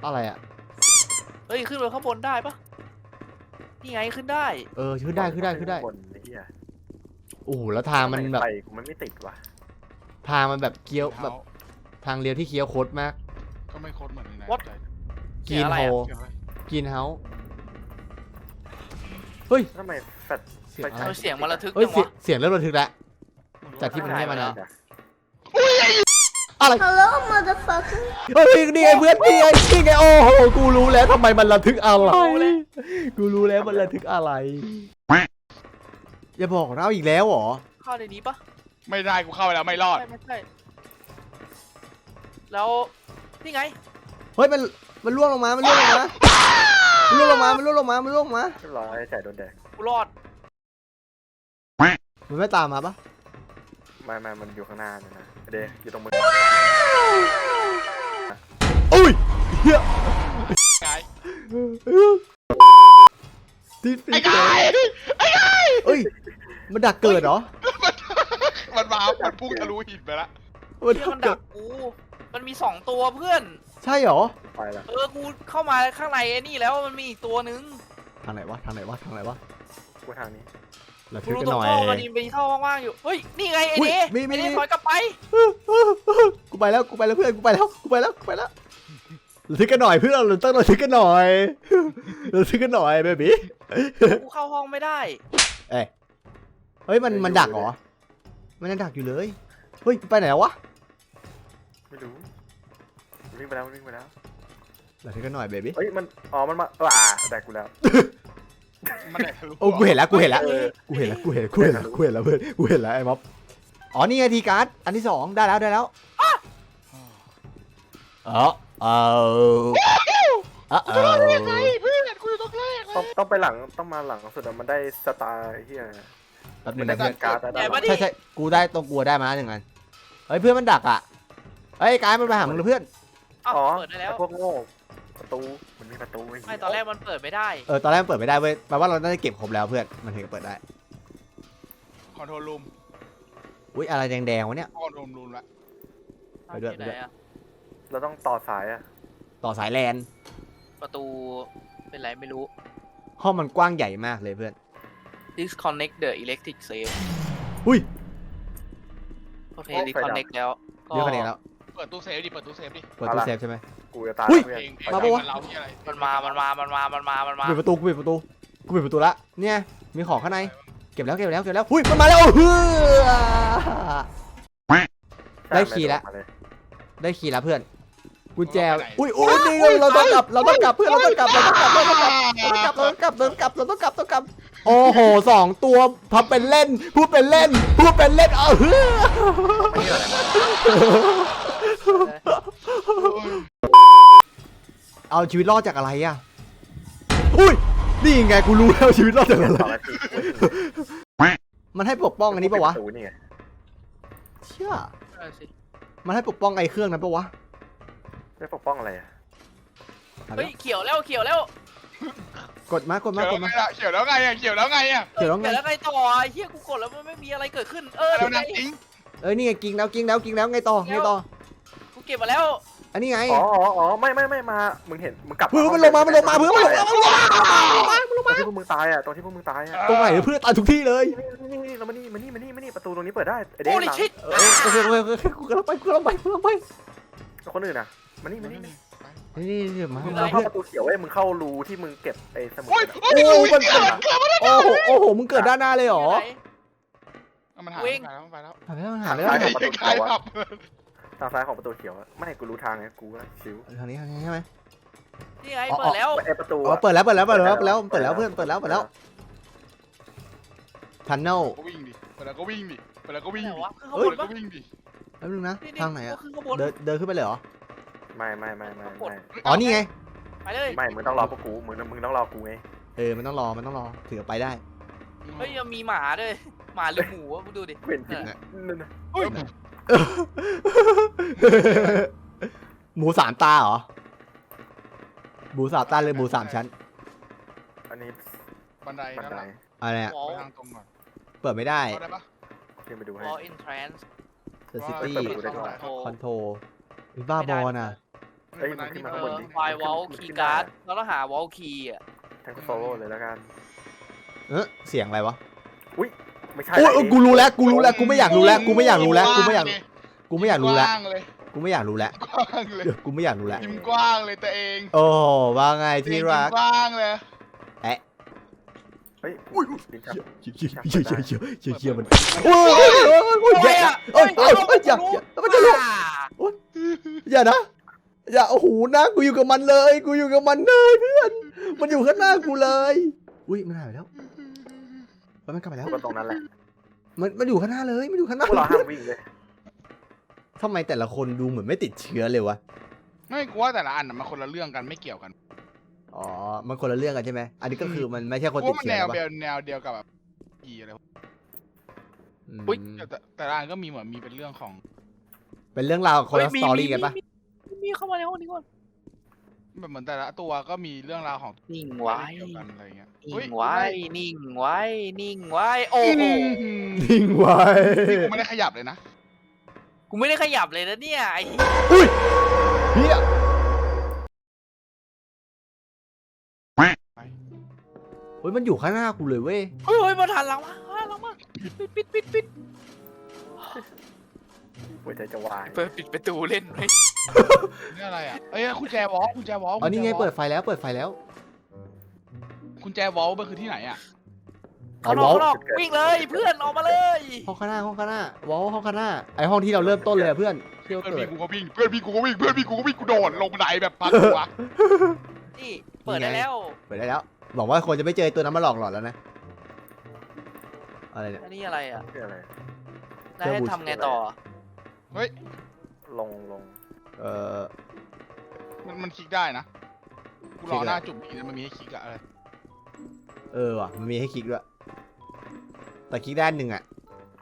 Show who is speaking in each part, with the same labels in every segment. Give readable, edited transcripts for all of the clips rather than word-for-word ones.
Speaker 1: อะไรอ่ะ
Speaker 2: เฮ้ยขึ้นไปข้างบนได้ปะนี่ไงขึ้นได้
Speaker 1: ขึ้นได้ขึ้นได้ขึ้นได้
Speaker 3: บนไอ้เหี้ย
Speaker 1: โอ้โหแล้วทางมันแบบ
Speaker 3: ไปกูมันไม่ติดว่ะ
Speaker 1: ทางมันแบบเคี้ยวแบบทางเลี้ยวที่เคี้ยวโคตรมาก
Speaker 4: ก็ไม่โคตรเหมือนในนั้น
Speaker 1: กินโฮ
Speaker 4: เกี่ยวอะไร
Speaker 1: กินเฮาเฮ้ย
Speaker 3: ทำไมแฟด
Speaker 1: เสียง
Speaker 3: ไฟ
Speaker 1: อะไร
Speaker 3: ฉาย
Speaker 2: เสียงมันระทึก
Speaker 1: เฮ้ย
Speaker 2: จังวะ
Speaker 1: เสียงเริ่มระทึกแล้ว จากที่ มันให้มานะ
Speaker 3: จ้ะ
Speaker 1: อะไร
Speaker 5: Hello, motherfucker.
Speaker 1: เฮ้ยนี่ไงเพื่อนนี่ไงโอ้โหกูรู้แล้วทำไมมันระทึกอะไรกูรู้แล้วมันระทึกอะไรอย่าบอกเราอีกแล้วเหรอ
Speaker 2: เข้าในนี้ปะ
Speaker 4: ไม่ได้กูเข้าไปแล้วไม่รอด
Speaker 2: ไม่ใช่แล้วนี่ไง
Speaker 1: เฮ้ยมันล่วงลงมามันล่วงลงมามันล่วงลงมามันล่วงลงมามันล่วงลงมา
Speaker 3: เรียบร้อยจ่ายโดนแดก
Speaker 2: กูรอด
Speaker 1: มันไม่ตามมาปะ
Speaker 3: ไม่มันอยู่ข้างหน้าเนี่ยนะเดย์อยู่ตรงมือ
Speaker 1: อุ้ยเฮีย
Speaker 4: ไง
Speaker 1: ที่ฟิ
Speaker 4: ไอ้ไก่ไอ้ไก่
Speaker 1: เอ้ยมันดักเกิดเหรอ
Speaker 4: มันมามันพุ่งทะลุหินไปละ
Speaker 1: มัน
Speaker 2: เพื่
Speaker 1: ดั
Speaker 2: อน
Speaker 1: ก
Speaker 2: มัน
Speaker 1: เกิ
Speaker 2: ดั
Speaker 1: ด
Speaker 2: กกูมันมี2ตัวเพื่อน
Speaker 1: ใช่เหรอ
Speaker 3: ไปละ
Speaker 2: กูเข้ามาข้างในไอ้นี่แล้วมันมีอีกตัวนึง
Speaker 1: ทางไหนวะทางไหนวะทางไหนวะ
Speaker 3: กูทางนี้
Speaker 1: ระ
Speaker 2: กู
Speaker 1: ทึก
Speaker 2: รู้
Speaker 1: กัน
Speaker 2: ตร
Speaker 1: ห
Speaker 2: ง
Speaker 1: น่อย
Speaker 2: ท่อมันมีท่อว่างๆอยู่เฮ้ยนี่ไงไอ้
Speaker 1: อุ๊ย
Speaker 2: เน่
Speaker 1: มี
Speaker 2: ไอ้เน่
Speaker 1: มี
Speaker 2: ถอยกลับไป
Speaker 1: กูไปแล้วเพื่อนกูไปแล้วระทึกกันหน่อยเพื่อนเราต้องระทึกกันหน่อยระทึกกันหน่อยเบบี้
Speaker 2: กูเข้าห้องไม่ได้
Speaker 1: เฮ้ยมันดักเหรอมันยังดักอยู่เลยเฮ้ยไปไหนวะ
Speaker 3: ไม่รู้วิ่งไปแล้ววิ่งไปแล้ว
Speaker 1: ระทึกกันหน่อยเบบี้
Speaker 3: เฮ้ยมันมันมาแดกกูแล้ว
Speaker 4: มันแดกทะลุ
Speaker 1: โอ้กูเห็นแล้ว
Speaker 3: เออ
Speaker 1: กูเห็นแล้วเพื่อนกูเห็นแล้วเไอ้ม็อบอ๋อนี่ไงทีการ์ดอันที่2ได้แล้ว
Speaker 4: ยังไงเพื่อนกูอยู่ตรงแรกเลย
Speaker 3: ต้องไปหลังต้องมาหลังสุดมันได้สตาร์เฮีย
Speaker 1: แป๊บนึ
Speaker 3: มัน
Speaker 1: ง
Speaker 3: ได้
Speaker 1: นะเพื่อน
Speaker 3: การ์ดได้
Speaker 1: ใช่กูได้ตรงกูได้มาหนึ่งอันเฮ้ยเพื่อนมันดักอ่ะเฮ้ยกายมันไปหามึงเลยเพื่อน
Speaker 2: อ้าว
Speaker 3: อ๋อ
Speaker 2: เปิดได้แล้ว
Speaker 3: พวกโง่ประตูมันมีประตู
Speaker 2: ไม่ตอนแรกมันเปิดไม่ได้
Speaker 1: ตอนแรกมันเปิดไม่ได้เว้ยแปลว่าเราได้เก็บครบแล้วเพื่อนมันถึงจะเปิดได้
Speaker 4: คอนโทรลรูม
Speaker 1: อุ้ยอะไรแดงๆวะเนี่ย
Speaker 4: คอนโทรลรูมละ
Speaker 1: ไปด้วย
Speaker 2: ที่ไหนอะ
Speaker 3: เราต้องต่อสายอะ
Speaker 1: ต่อสายแลน
Speaker 2: ประตูเป็นไรไม่รู้
Speaker 1: ห้องมันกว้างใหญ่มากเลยเพื่อน
Speaker 2: disconnect the electric safe
Speaker 1: อุ้ย
Speaker 2: โอเค disconnect แล้วก็
Speaker 1: เยอะขนาดนี้แล้ว
Speaker 4: เปิดตู้เซฟดิเปิดตู้เซฟดิ
Speaker 1: เปิดตู้เซฟใช่ไหม
Speaker 3: กูจะตาย
Speaker 1: อุ้ย
Speaker 3: เพื่อน
Speaker 4: เพลง
Speaker 1: มาปะวะ
Speaker 4: เราที่อะไร
Speaker 2: มันมา
Speaker 1: ปิดประตูกูปิดประตูละเนี่ยมีของข้างในเก็บแล้วอุ้ยมันมาแล้วเฮ้ย ได้คีย์แล้ว ได้คีย์แล้วเพื่อนกุญแจอุ้ยนี่เราต้องกลับเพื่อนเราต้องกลับโอ้โห2ตัวทำเป็นเล่นพูดเป็นเล่นเอาชีวิตรอดจากอะไรอ่ะอุ้ยนี่ไงกูรู้แล้วชีวิตรอดจากอะไรมันให้ปกป้องอันนี้ปะวะเชื่อมันให้ปกป้องไอ้เครื่องนั้นปะวะ
Speaker 3: ได้ปกป้องอะไรอะ
Speaker 2: เฮ้ยเขียวแล้ว
Speaker 1: กดมา
Speaker 4: เขียวแล้วไงอะเขียวแล้วไงอะ
Speaker 1: เดี๋ยวแล้วไง
Speaker 2: แล้วไงต่อเฮียกูกดแล้วมันไม่มีอะไรเกิดขึ้น
Speaker 4: แล้ว
Speaker 2: เดี๋ยวไง
Speaker 4: นะจริง
Speaker 1: นี่ไงกิ้งแล้วไงต่อ
Speaker 2: กูเก็บมาแล้ว
Speaker 1: อันนี้ไง
Speaker 3: อ๋อไม่มามึงเห็นมึงกลับ
Speaker 1: เพื่อนมันลงมาเพื่อนมันลงมา
Speaker 3: ตรงที่พวกมึงตายอะตรงที่พวกมึงตายอะ
Speaker 1: ตรงไหนเพื่อนตายทุกที่เลย
Speaker 3: นี่เรามานี่ประตูตรงนี้เปิดได้ไอเด็
Speaker 2: โอ้
Speaker 3: ก
Speaker 2: ลิ
Speaker 3: หลัง
Speaker 2: ชิต
Speaker 1: กูกำลังไป
Speaker 3: คนอื่นอะมานี่
Speaker 1: นี่มา
Speaker 3: มึงเข้าประตูเขียวเว้ยมึงเข้ารูที่มึงเก็บไอ้สมุด
Speaker 4: โอ้ย
Speaker 1: โอ้มันโอ้โหมึงเกิดด้านหน้าเลยเหรอ
Speaker 4: มันหายไปแล้ว
Speaker 1: หาไม่ได้
Speaker 4: ใครขับ
Speaker 3: ทางซ้ายของประตูเขียวไม่กูรู้ทางไงกูก็ชิว
Speaker 1: ทางนี้ใช่ไหม
Speaker 2: นี่ไงเปิดแล้ว
Speaker 3: ไอประตู
Speaker 1: เปิดแล้วเพื่อนเปิดแล้วทันเนล
Speaker 4: ก็วิ่งดิเปิดแล้วก็วิ่งดิเปิดแล้วก็วิ่ง
Speaker 2: ไหน
Speaker 4: ดิ
Speaker 2: วะขึ้นข้าง
Speaker 4: เปิ
Speaker 2: บ
Speaker 4: ด
Speaker 2: น
Speaker 4: แล้ว
Speaker 2: ปะ
Speaker 4: ก็วิ่งดิ
Speaker 1: แป๊บนึงนะทางไหนอะ
Speaker 2: ขึ้นข้างบน
Speaker 1: เดินขึ้นไปเลยเหรอ
Speaker 3: ไม่
Speaker 1: อ๋อนี่ไง
Speaker 2: ไปเลย
Speaker 3: ไม่มึงต้องรอพวกกูมึงต้องรอกูไง
Speaker 1: มันต้องรอถึงจะไปได้
Speaker 2: เฮ้ยยังมีหมาด้วยหมาหรือหมูวะมึงดูดิ
Speaker 3: เห็นผิดนั่นนะ
Speaker 4: เฮ้ย
Speaker 1: หมู3 ตาเหรอหมู3 ตาเลยหมู3 ชั้น
Speaker 3: อันนี้
Speaker 4: บันได
Speaker 3: บัน
Speaker 4: นั่น
Speaker 3: ได
Speaker 4: แหละ
Speaker 1: อะไรอะ
Speaker 2: วอล
Speaker 4: ไปทางตรงก่อน
Speaker 1: เปิดไม่ได้
Speaker 4: ได้ปะ
Speaker 3: ขึ้นไปดูให้
Speaker 2: วอลอินทรานส์
Speaker 1: The City
Speaker 3: เปิดประตูได้ก่อน
Speaker 1: Control บ้าบอลอ่ะ
Speaker 3: เอ้ยมันขึ้นมาข้างบนดิ
Speaker 2: ไฟวอลคีย์การ์ดเราต้องหาวอลคีย์อ่ะ
Speaker 3: ทั้งโซโล่เลยแล้วกัน
Speaker 1: เสียงอะไรวะ
Speaker 3: อุ้ยไม่ใช่
Speaker 1: โอ้ย
Speaker 3: เอง
Speaker 1: กูรู้แล้วกูไม่อยากรู้แล้วกูไม่อยากรู้แล้วกูไม่อยากรู้แล้ว
Speaker 4: กว้างเลย
Speaker 1: กูไม่อยากรู้แล้ว
Speaker 4: กว้างเลย
Speaker 1: กูไม่อยากรู้แล้ว
Speaker 4: ยิ้มกว้างเลยตัวเอง
Speaker 1: โอ้ว่าไงที่รัก
Speaker 4: ยิ้มกว้างเลย
Speaker 3: เฮ้ยดินชับ
Speaker 1: เชี่ยมันโอ้ยแย่ละมันจะลุกอย่านะอย่าโอ้โหนะกูอยู่กับมันเลยเพื่อนมันอยู่ข้างหน้ากูเลยอุ้ยมันหายไปแล้วมันกลับไปแล้ว
Speaker 3: ก็ตรงนั้นแหละ
Speaker 1: มันอยู่ข้างหน้าเลยมันอยู่ข้างหน้า
Speaker 3: พวกเราห้ามวิ่งเลย
Speaker 1: ทำไมแต่ละคนดูเหมือนไม่ติดเชื้อเลยวะ
Speaker 4: ไม่กูว่าแต่ละอันมันคนละเรื่องกันไม่เกี่ยวกัน
Speaker 1: อ๋อมันคนละเรื่องกันใช่ไหมอันนี้ก็คือมันไม่ใช่คน
Speaker 4: กู
Speaker 1: ติด
Speaker 4: ว่ามัน
Speaker 1: เชื้อ
Speaker 4: แนวเดียวกับแบบอีอะไร
Speaker 2: อุ๊ย
Speaker 4: แต่ละอันก็มีเหมือนมีเป็นเรื่องของ
Speaker 1: เป็นเรื่องราวคนละสตอรี่กันปะ
Speaker 2: มีเข้ามาในห้องนี้ก่อน
Speaker 4: แบบเหมือนแต่ละตัวก็มีเรื่องราวของ
Speaker 2: นิ่งไว้
Speaker 4: เกี่ยวกันอะไรเงี้ย
Speaker 2: นิ่งไว้นิ่งไว้นิ่งไว้โอ้โห
Speaker 1: ทิ้งไว้
Speaker 4: กูไม่ได้ขยับเลยนะ
Speaker 2: กูไม่ได้ขยับเลยนะเนี่ยไอ้
Speaker 1: อุ้ยเฮียเฮ้ยมันอยู่ข้างหน้ากูเลยเว้ย
Speaker 2: เฮ้ยมาทันหลังมาปิด
Speaker 3: หัวใจจะวาย
Speaker 2: ปิดประตูเล่นไหม
Speaker 4: นี่อะไรอ่ะเอ้ยกุญแจวอล
Speaker 1: อ๋อนี่ไงเปิดไฟแล้ว
Speaker 4: กุญแจวอลมันคือที่ไหนอ่ะ
Speaker 2: เขานอกวิ่งเลยเพื่อนออกมาเลย
Speaker 1: ห้องข้างหน้าวอลห้องข้างหน้าไอห้องที่เราเริ่มต้นเลยอะเพื่อนที่เรา
Speaker 4: เพื่อน
Speaker 1: เกิ
Speaker 4: พี่
Speaker 1: ด
Speaker 4: กูก็วิ่งกูโดดลงบันไดแบบปัดหัว
Speaker 2: นี่เปิดได้แล้ว
Speaker 1: เปิดได้แล้วบอกว่าคนจะไม่เจอตัวนั้นมาหลอกหลอนแล้วนะอะไรเนี่ย
Speaker 2: อันนี้อะไรอ่ะ
Speaker 3: เพื่ออะไร
Speaker 2: นายให้ทำไงต่อ
Speaker 3: ลง
Speaker 1: เออ
Speaker 4: มันคลิกได้นะกูรอหน้าจุ่มอีกมันมีให้คลิกอะอะไร
Speaker 1: ว่ะมันมีให้คลิกด้วยแต่คลิกด้านหนึ่งอะ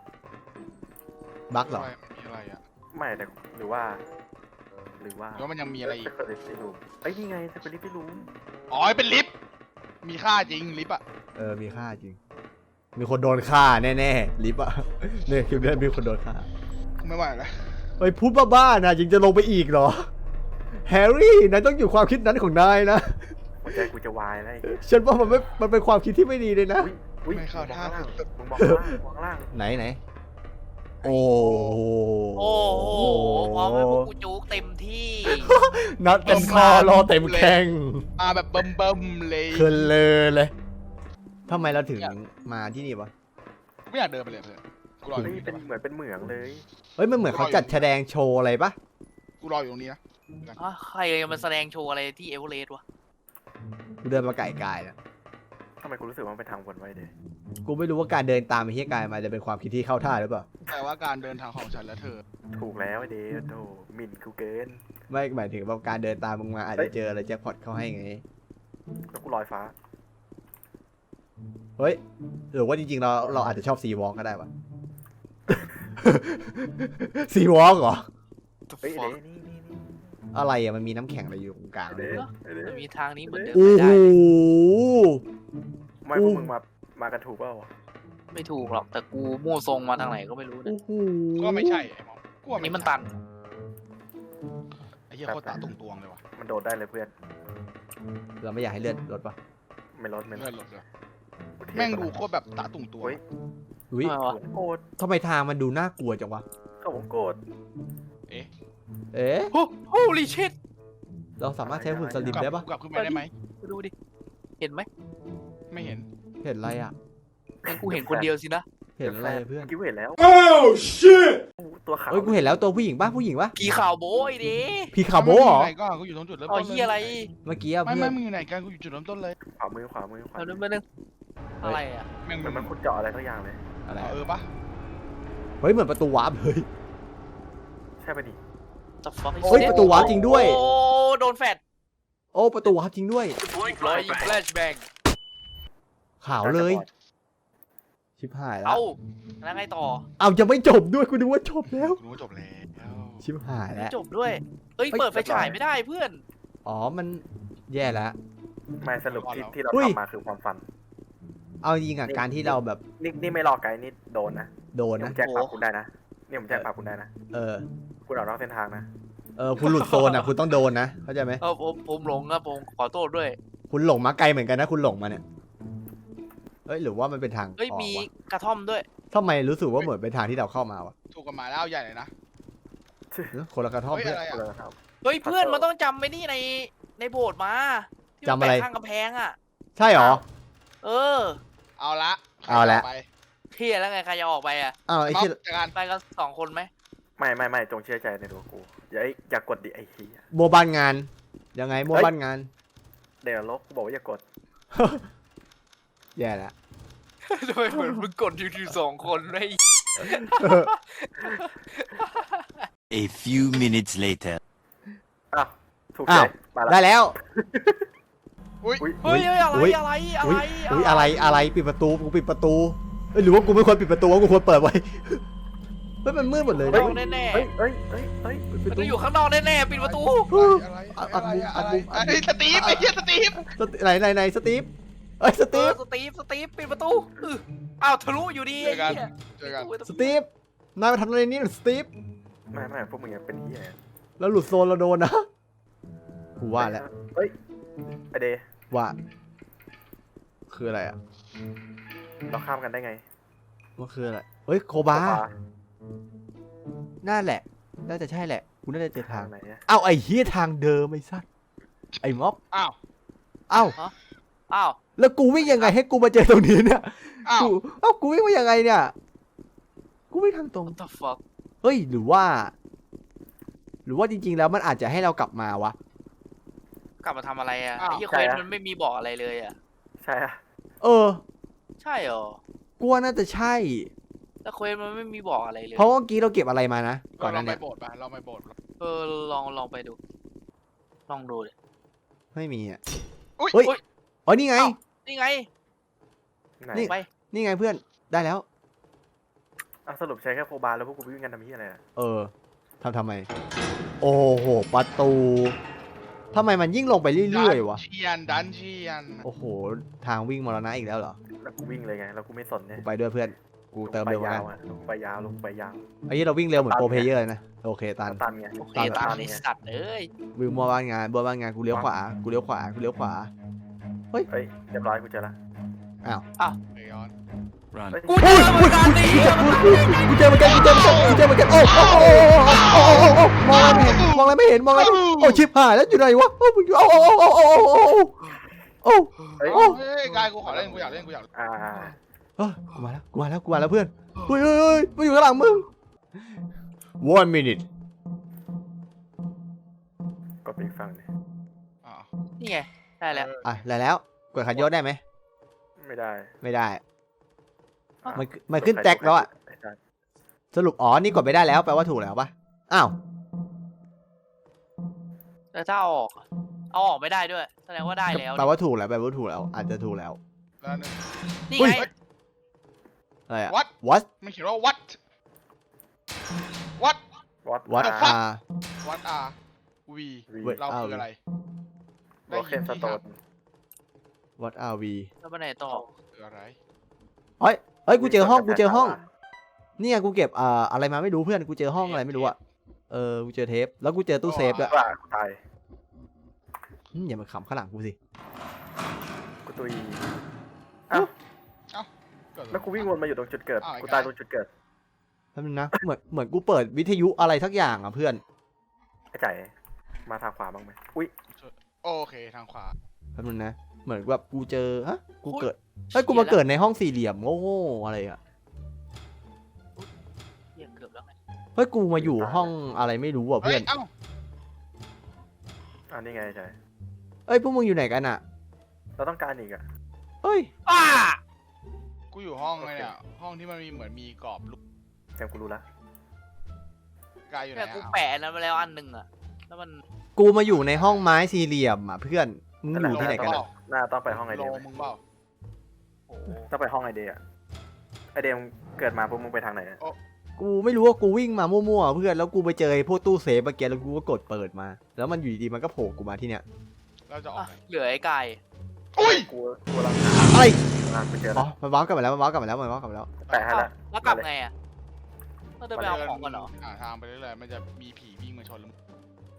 Speaker 1: บั๊กเหรอ
Speaker 4: มันมีอะไรอ่ะ
Speaker 3: ไม่แต่หรือว่า
Speaker 4: หรือว่ามันยังมีอะไรอีก
Speaker 3: สเปรย์ที่รูมไอ้นี่ไงสเปรย์ที่รูม
Speaker 4: อ๋อเป็นลิฟต์มีค่าจริงลิฟต์อ่ะ
Speaker 1: มีค่าจริงมีคนโดนฆ่าแน่ๆลิฟต์อะเนี่ยคลิปนี้มีคนโดนฆ่า
Speaker 4: ไม่ไหวแล้ว
Speaker 1: เฮ้ยพูดบ้าๆนะยังจะลงไปอีกเหรอแฮร์รี่นายต้องอยู่ความคิดนั้นของนายนะ
Speaker 3: หัวใจกูจะวายแล้ว
Speaker 1: ฉันว่ามันเป็นความคิดที่ไม่ดีเลยนะ
Speaker 3: อุ้ย
Speaker 4: ไม่เข้าท่า
Speaker 3: มึงมองล่าง
Speaker 1: ไหนโอ้
Speaker 2: โอ้โหพร้อมให้พวกกูจุกเต็มที่
Speaker 1: นัดเต็มคอรอเต็มแข้ง
Speaker 4: มาแบบเบิ่มเลย
Speaker 1: เพลินเลยทำไมเราถึงมาที่นี่วะ
Speaker 4: กูไม่อยากเดินไปเลยเพื่อนกูรออยู่
Speaker 3: นี่เป็นเหมือนเป็นเหมืองเลย
Speaker 1: เฮ้ยมันเหมือนเขาจัดแสดงโชว์อะไรปะ
Speaker 4: กูรออยู่ตรงนี้นะ
Speaker 2: ใครมาแสดงโชว์อะไรที่เอเวอเรสต์วะ
Speaker 1: กูเดินมาไก่กายนะ
Speaker 3: ทำไมกูรู้สึกว่ามันเป็นทางวนไว้เด้
Speaker 1: กูไม่รู้ว่าการเดินตามไอ้เฮียกายมาจะเป็นความคิดที่เข้าท่าหรือเปล่า
Speaker 4: แต่ว่าการเดินทางของฉันและเธอ
Speaker 3: ถูกแล้วไอ้เด้โธ่หมิ่นกูเกิน
Speaker 1: ไม่หมายถึงว่าการเดินตามมึงมาอาจจะเจออะไรแจ็คพอตเข้าให้ไง
Speaker 3: แล้วกูลอยฟ้า
Speaker 1: เฮ้ยหรือว่าจริงๆเราอาจจะชอบซีวอล์กก็ได้วะ ซีวอล์กเหรอ
Speaker 3: เฮ้ยเด้นี่
Speaker 1: อะไรอะมันมีน้ำแข็งอะไรอยู่ตรงกลางเล
Speaker 3: เด้
Speaker 1: ย
Speaker 2: จะมีทางนี้เหมือนเดิม
Speaker 1: โอ้
Speaker 2: ไม่
Speaker 1: โห
Speaker 2: ได้
Speaker 3: ไม่พวกมึงมากันถูกเปล่า
Speaker 2: ไม่ถูกหรอกแต่กูมั่วทรงมาทางไหนก็ไม่รู้นะ
Speaker 1: โอ้โห
Speaker 4: ก็ไม่ใช่ไอ้หมอกู
Speaker 2: อั
Speaker 4: ว่าน
Speaker 2: นี้มันตัน
Speaker 4: ไอ้เหี้ยโคตรตาตรงๆเลยว่ะ
Speaker 3: มันโดดได้เลยเพื่อน
Speaker 1: เราไม่อยากให้เลือดลดปะ
Speaker 3: ไม่ลด
Speaker 4: เลื่อนหลดเลยแม่งดูโคตรแบบตาตุ่งตัว
Speaker 1: อุ้ย
Speaker 2: ทำไมวะ
Speaker 3: ผมโกรธ
Speaker 1: ทำไมทางมันดูน่ากลัวจังวะ
Speaker 3: เขาผมโกรธ
Speaker 1: เอ๊ะ
Speaker 2: โอ้ลิชิต
Speaker 1: เราสามารถใช้หุ่นสลิมได้ปะ
Speaker 4: กลับขึ้นไปได้ไหม
Speaker 2: ดูดิเห็นไหม
Speaker 4: ไม่เห็น
Speaker 1: เห็นอะไรอ่ะ
Speaker 2: งั้นกูเห็นคนเดียวสินะ
Speaker 1: เห็นอะไรเพื่อน
Speaker 3: กิ้วเห็นแล้ว
Speaker 5: Oh shit!
Speaker 3: ตัวขาว
Speaker 1: เฮ้ยกูเห็นแล้วตัวผู้หญิงป่ะผู้หญิงป่ะ
Speaker 2: กี่ข่าวโบยดิ
Speaker 1: พี่คาโบเหรอ
Speaker 4: ไหนก็กูอยู่ตรงจุดเริ่ม
Speaker 2: อ๋อ
Speaker 4: ต้นเลย
Speaker 2: เฮียอะไร
Speaker 1: เมื่อกี้อะ
Speaker 4: ไม่
Speaker 1: เพื่อน
Speaker 4: มึงอยู่ไหนกันกูอยู่จุดเริ่มต้นเลย
Speaker 3: ขวามือ
Speaker 2: เอาดูมาหนึ่งอะไรอ่ะ
Speaker 4: แม่ง
Speaker 3: เหมือนมันขุดเจาะอะไรสักอย่างเลย
Speaker 1: อะไร
Speaker 4: ปะ
Speaker 1: เฮ้ยเหมือนประตูวาร์ปเลย
Speaker 3: ใช่ปะดิ
Speaker 2: จะฟัก
Speaker 1: เฮ้ยประตูวาร์ปจริงด้วย
Speaker 2: โอ้โดนแฟด
Speaker 1: โอ้ประตูวาร์ปจริงด้วย
Speaker 2: ร้อยยิงแฟลชแบง
Speaker 1: ขาวเลย ชิบหายแล้ว
Speaker 2: เอ้าแล้วไงต่อ
Speaker 1: เอาจะไม่จบด้วยกูนึกว่าจบแล้ว
Speaker 4: กูรู้ว่าจบแล้ว
Speaker 1: ชิบหายแล้ว
Speaker 2: จบด้วยเอ้ยเปิดไฟฉายไม่ได้เพื่อน
Speaker 1: อ๋อมันแย่แล้ว
Speaker 3: ไม่สรุปที่เรา
Speaker 1: อุ้ย
Speaker 3: ทำมาคือความฝัน
Speaker 1: เอาจริงอ่ะการที่เราแบบ
Speaker 3: นี่ไม่รอไกด์นี่โดนนะ
Speaker 1: โดน
Speaker 3: นี่ผ
Speaker 1: นะ
Speaker 3: มแจ้งปรับคุณได้นะนี่ผมแจ้งปรับคุณได้นะ
Speaker 1: เออ
Speaker 3: คุณออกนอกเส้นทางนะ
Speaker 1: คุณหลุดโซนอ่ะคุณต้องโดนนะเข้าใจไหม
Speaker 2: ผมหลงครับผมขอโทษด้วย
Speaker 1: คุณหลงมาไกลเหมือนกันนะคุณหลงมาเนี่ยเอ้ยหรือว่ามันเป็นทาง
Speaker 2: เฮ้ย
Speaker 1: ออก
Speaker 2: มี
Speaker 1: วะ
Speaker 2: กระท่อมด้วย
Speaker 1: ทำไมรู้สึกว่าเหมือนเป็นทางที่เราเข้ามาวะ
Speaker 4: ถูกกฎหมายแล้วเอาใหญ่เลยนะ
Speaker 1: คนละกระท่อม
Speaker 4: เฮ้ย
Speaker 1: เพื่อน
Speaker 4: อะไร
Speaker 3: เอ
Speaker 4: อ่ะ
Speaker 3: อครับ
Speaker 2: เฮ้ยเพื่อนมันต้องจำไปนี่ในโบสถ์มาที่มัน
Speaker 1: จำอะไร
Speaker 2: แปะข้างกำแพงอ่ะ
Speaker 1: ใช่เหรอ
Speaker 2: เออ
Speaker 4: เอาละ
Speaker 1: เอาละ
Speaker 4: ไป
Speaker 2: เที่ยแล้วไงใครจะออกไปอ่ะ
Speaker 1: อ้าวไอ้
Speaker 4: ม็อบ
Speaker 1: ที่
Speaker 4: จากการ
Speaker 2: ไปกัน2 คนไหม
Speaker 3: ไม่จงเชื่อใจในตัวกูอย่ากดดิไอ้เหี้ย
Speaker 1: โมบ้านงานยังไงโมบ้านงาน
Speaker 3: เดี๋ยวลบกูบอกว่าอย่ากด
Speaker 1: แย่แล้ว
Speaker 2: ทำไมเหมือนมึงกดอยู่2 คนเลย
Speaker 5: A few minutes later.
Speaker 3: อ้าวถูก
Speaker 1: อ้า
Speaker 3: ใจ
Speaker 1: ว
Speaker 3: ไปละ
Speaker 1: ได้แล้ว
Speaker 4: อุ้ย
Speaker 3: อุ้ย
Speaker 2: เฮ้ยอะไร
Speaker 1: อุ๊ย
Speaker 2: อะไร
Speaker 1: อุ้ยอะไรปิดประตูกูปิดประตูเอ้ยหรือว่ากูไม่ควรปิดประตูว่ากูควรเปิดไว้เฮ้ยมันมืดหมดเลย
Speaker 2: ข้าง
Speaker 1: นะ
Speaker 2: นอกแน่
Speaker 3: เฮ้ย
Speaker 1: ปิด
Speaker 2: ๆ
Speaker 1: ป
Speaker 2: มัน
Speaker 1: ระตู
Speaker 2: ต้องอยู่ข้างนอกแน่ๆปิดประตู
Speaker 4: อะไร
Speaker 1: อั
Speaker 4: อะไร
Speaker 1: ด
Speaker 4: อะไร
Speaker 1: มุมอัดมุม
Speaker 4: ไอ้สตีฟไอ้เหี้ยสตีฟ
Speaker 1: ไหนสตีฟเอ้ยสตีฟ
Speaker 2: สตีฟปิดประตูอ้าวทะลุอยู่ดี
Speaker 4: เจอกัน
Speaker 2: ไอ้เหี้ย
Speaker 4: เจอกัน
Speaker 1: สตีฟนายมาทำอะไรนี่สตีฟ
Speaker 3: ไม่พวกมึงยังเป็นเหี้ย
Speaker 1: แล้วหลุดโซนเราโดนนะกูว่าแล้ว
Speaker 3: เฮ้ยไอเดย์
Speaker 1: ว่าคืออะไรอ่ะ
Speaker 3: เราข้ามกันได้ไง
Speaker 1: มันคืออะไรเฮ้ยโคบา
Speaker 3: โซฟ
Speaker 1: น่าแหละน่าจะใช่แหละกูน่าจะเจอทาง
Speaker 3: ไหนอะ
Speaker 1: เอ้าไอ้เฮียทางเดิมไอ้สัสไอ้ม็อบ
Speaker 4: อ้าว
Speaker 1: เอ้า
Speaker 2: อ้าว
Speaker 1: แล้วกูวิ่งยังไงให้กูมาเจอตรงนี้เนี่ย
Speaker 4: อ้าว
Speaker 1: กูวิ่งมายังไงเนี่ยกูวิ่งทางตรง
Speaker 2: what the fuck
Speaker 1: เฮ้ยหรือว่าจริงๆแล้วมันอาจจะให้เรากลับมาวะ
Speaker 2: กลับมาทำอะไรอ่ะ
Speaker 4: อ้าว
Speaker 2: ไอ้เหี้ยเควสมันไม่มีบอกอะไรเลยอ่ะ
Speaker 3: ใช่อะ
Speaker 1: เออ
Speaker 2: ใช่เหรอ
Speaker 1: กูว่าน่าจะใช่
Speaker 2: แต่เควสมันไม่มีบอกอะไรเลย
Speaker 1: เพราะเมื่อกี้เราเก็บอะไรมานะก่อนห
Speaker 4: เรา
Speaker 1: นั้น
Speaker 4: ไป
Speaker 1: เนี่ย
Speaker 4: โบสถ์ไปเราไปโบสถ์
Speaker 2: ลองไปดูลองดูเลย
Speaker 1: ไม่มีอ่ะ
Speaker 4: อุ้ย
Speaker 1: เฮ้ย
Speaker 2: อุ๊ย
Speaker 1: อ๋อนี่ไง
Speaker 2: เอ้า นี่ไง
Speaker 3: ไหน
Speaker 1: นี่
Speaker 2: ไป
Speaker 1: นี่ไงเพื่อนได้แล้ว
Speaker 3: อ่ะสรุปใช้แค่โคบาแล้วพวกกูวิ่งกันทำเหี้ยอะไรอะ
Speaker 1: เออทำไม โอ้โหประตูทำไมมันยิ่งลงไปเรื่อยๆวะ
Speaker 4: ดันเชียน
Speaker 1: โอ้โหทางวิ่งมรณะอีกแล้วเหรอ
Speaker 3: แล้วกูวิ่งเลยไงแล้วกูไม่สนเนี่ย
Speaker 1: กูไปด้วยเพื่อนกูเติมเร็วเหมือน
Speaker 3: ยา
Speaker 1: กัน
Speaker 3: วอะลงไปยาวลงไปยาว
Speaker 1: ไอ้ยี่เราวิ่งเร็วเหมือนโปรเพลเยอร์เลยนะโอเคตัน
Speaker 3: ตันไง
Speaker 2: โอเค
Speaker 1: ตาม
Speaker 2: ตาม
Speaker 3: ตาม
Speaker 2: ใน
Speaker 3: ไง
Speaker 2: สัตว์เอ้ย
Speaker 1: วิ่งมัวบ้านงานกูเลี้ยวขวากูเลี้ยวขวากูเลี้ยวขวา
Speaker 3: เฮ้ยเรียบร้อยกูเจอละ
Speaker 4: ไปย้อน
Speaker 5: Run.
Speaker 3: เฮ้ย
Speaker 2: กูเจอเหมือนกันดิ
Speaker 1: กูเจอเหมือนกันโอ้มองอะไรไม่เห็นโอ้ชิบหายแล้วอยู่ไหนวะโอ้มึงอยู่โอ้
Speaker 3: เฮ้ย
Speaker 4: เฮ้ยกายกูขอเล่นกูอยากเล่นกูอยาก
Speaker 1: กูมาแล้วเพื่อนเฮ้ยมาอยู่ข้างหลังมึง 1 minute
Speaker 3: กดไปอีกฝั่งเลย
Speaker 4: อ้าว
Speaker 2: นี่ไงได้แล้ว
Speaker 1: อ่ะแล้วกดขันยศได้ไหม
Speaker 3: ไม่ได้
Speaker 1: ไม่ได้มันขึ้นแจ็คแล้วอ่ะ
Speaker 3: ไม่ได้
Speaker 1: สรุปนี่กดไม่ได้แล้วแปลว่าถูกแล้วปะอ้าว
Speaker 2: แต่ถ้าเอาออกไม่ได้ด้วยแสดงว่าได้แล้ว
Speaker 1: แปลว่าถูกแล้วอาจจะถูกแล้ว
Speaker 4: แล้วหนึ่ง
Speaker 2: นี่
Speaker 1: อุ๊
Speaker 2: ไง
Speaker 1: ย อะไรอ่ะ
Speaker 4: what
Speaker 1: what
Speaker 4: มันเขียนว่า what what
Speaker 1: what
Speaker 4: The fuck?
Speaker 1: are
Speaker 4: what are we
Speaker 3: วี
Speaker 4: เราคืออะไร
Speaker 3: โอเคนสโตน
Speaker 1: what are we
Speaker 2: แล้วไปไหนต่อ
Speaker 4: คืออะไร
Speaker 1: เฮ้ยกูเจอห้องเนี่ยกูเก็บอะไรมาไม่รู้เพื่อนกูเจอห้องอะไรไม่รู้อ่ะกูเจอเทปแล้วกูเจอตู้เซฟด้วย
Speaker 3: ว่ากูตาย
Speaker 1: อย่ามาขำข้างหลังกูสิ
Speaker 3: กูตุย
Speaker 4: เกิดอะไร
Speaker 3: แล้วกูวิ่งวนมาอยู่ตรงจุดเกิด
Speaker 4: อ้าวไอ้
Speaker 3: กูตาย
Speaker 4: กาย
Speaker 3: ตรงจุดเกิด
Speaker 1: แป๊บนึงนะเหมือนกูเปิดวิทยุอะไรสักอย่างอ่ะเพื่อน
Speaker 3: ไอ้ไก่มาทางขวาบ้างไหมอุ้ย
Speaker 4: โอเคทางขวา
Speaker 1: แป๊บนึงนะเหมือนแบบกูเจอกูเกิดกูมาเกิดในห้องสี่เหลี่ยมโง่ๆอะไรอ่ะ
Speaker 2: เหี้ยเกือบแล้วไง
Speaker 1: เฮ้ยกูมาอยู่ห้องอะไรไม่รู้อ่ะ
Speaker 4: เฮ้
Speaker 1: เพื่
Speaker 4: ย
Speaker 1: อน
Speaker 4: เอ้า
Speaker 3: นี่ไงไก่
Speaker 1: เอ้ยพวกมึงอยู่ไหนกันอ่ะ
Speaker 3: เราต้องการอีกอ่ะ
Speaker 1: เฮ้ย
Speaker 2: อ้า
Speaker 4: กูอยู่ห้องเลยเนี่ยห้องที่มันมีเหมือนมีกรอบลูก
Speaker 3: แกกูรู้ละ
Speaker 4: กายอยู่ไหน
Speaker 2: เนี่ยกู
Speaker 4: อ่ะ
Speaker 2: แปะนั้นมาแล้วอันหนึ่งอ่ะแล้วมัน
Speaker 1: กูมาอยู่ในห้องไม้สี่เหลี่ยมอ่ะเพื่อนมึงอยู่ที่ไหนกันอะ
Speaker 3: น่าต้องไปห้องไอ
Speaker 4: โล
Speaker 3: เดีย
Speaker 4: มึงเปล่า
Speaker 2: โอ้โห
Speaker 3: ต้องไปห้องไอเดียไอเดียเกิดมาปุ๊บมึงไปทางไหน
Speaker 1: กูไม่รู้ว่ากูวิ่งมามั่วๆเพื่อนแล้วกูไปเจอไอ้พวกตู้เซฟเมื่อกี้แล้วกูก็กดเปิดมา แล้วมันอยู่ดีๆมันก็โผล่กูมาที่เนี้ย
Speaker 4: เราจะออก
Speaker 2: อ่ะ
Speaker 4: ไหน
Speaker 2: เหลือไอ้ไก่
Speaker 4: อุ้ย
Speaker 3: กูรัง
Speaker 1: อะไร
Speaker 3: ไปเจอ
Speaker 1: อ๋
Speaker 3: แล้
Speaker 1: อ
Speaker 3: ว
Speaker 1: มันว้าวกลับมาแล้ว
Speaker 3: แปะให้ละ
Speaker 2: แล้วกลับไงอ่ะเราเดินไปเอาของกันเหรอ
Speaker 4: ทางไปเรื่อยๆมันจะมีผีวิ่งมาชนแล้ว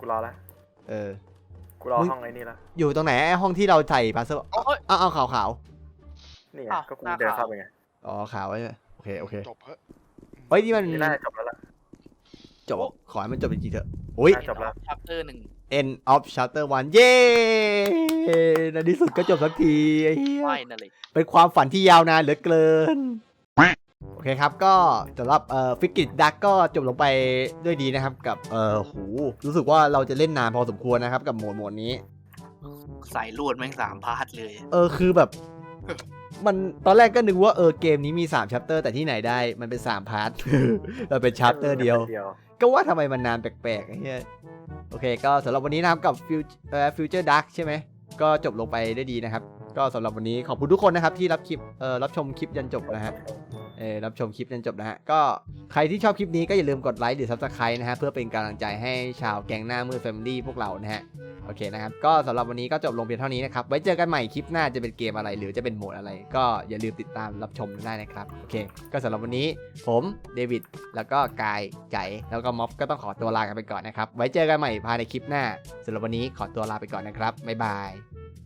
Speaker 3: กูรอละ กูรอ
Speaker 1: มึง
Speaker 3: ห้องไอ้นี่ละ
Speaker 1: อยู่ตรงไหนไอ้ห้องที่เราใส่พาสเซอร์
Speaker 2: โอ้ย
Speaker 1: เอาขาว
Speaker 3: นี่ไง
Speaker 2: อ้าว
Speaker 3: ก็กู
Speaker 2: หน้า
Speaker 3: เดิน
Speaker 2: ขาว
Speaker 3: เข้าไปไง
Speaker 1: ๆอ๋อขาวไว้เลยโอเค
Speaker 4: จบเฮ้ย
Speaker 1: เฮ้ยนี่มัน
Speaker 3: นี่น่าจะจบแล้วล่ะ
Speaker 1: จบขอให้มันจบจริงๆเถอะอุ้ย
Speaker 3: น่าจบแล้ว
Speaker 2: ชัปเตอร์ 1
Speaker 1: end of chapter 1 เย้ในที่สุดก็จบสักทีไอ้เหี้ย
Speaker 2: ไม่นั่นเลย
Speaker 1: เป็นความฝันที่ยาวนานเหลือเกิน โอเคครับก็สำหรับฟิกิตดักก็จบลงไปด้วยดีนะครับกับหูรู้สึกว่าเราจะเล่นนานพอสมควรนะครับกับโหมดนี้
Speaker 2: สายลวดแม่ง3 พาร์ทเลย
Speaker 1: คือแบบ มันตอนแรกก็นึกว่าเกมนี้มี3ชัปเตอร์แต่ที่ไหนได้มันเป็น3พาร์ท มันเป็นชัปเตอร์เดียว ก็ว่าทำไมมันนานแปลกๆไอ้เหี้ยโอเคก็สำหรับวันนี้นะครับกับFuture Dark ใช่ไหมก็จบลงไปได้ดีนะครับก็สำหรับวันนี้ขอบคุณทุกคนนะครับที่รับชมคลิปยันจบนะฮะรับชมคลิปยันจบนะฮะก็ใครที่ชอบคลิปนี้ก็อย่าลืมกดไลค์หรือ Subscribe นะฮะเพื่อเป็นกำลังใจให้ชาวแก๊งหน้ามืด Family พวกเรานะฮะโอเคนะครับก็สำหรับวันนี้ก็จบลงเพียงเท่านี้นะครับไว้เจอกันใหม่คลิปหน้าจะเป็นเกมอะไรหรือจะเป็นโหมดอะไรก็อย่าลืมติดตามรับชมได้นะครับโอเคก็สำหรับวันนี้ผมเดวิดแล้วก็กายใจแล้วก็ม็อบก็ต้องขอตัวลากันไปก่อนนะครับไว้เจอกันใหม่ภายในคลิปหน้าสำหรับวันนี้ขอตัวลาไปก่อนนะครับบ๊ายบาย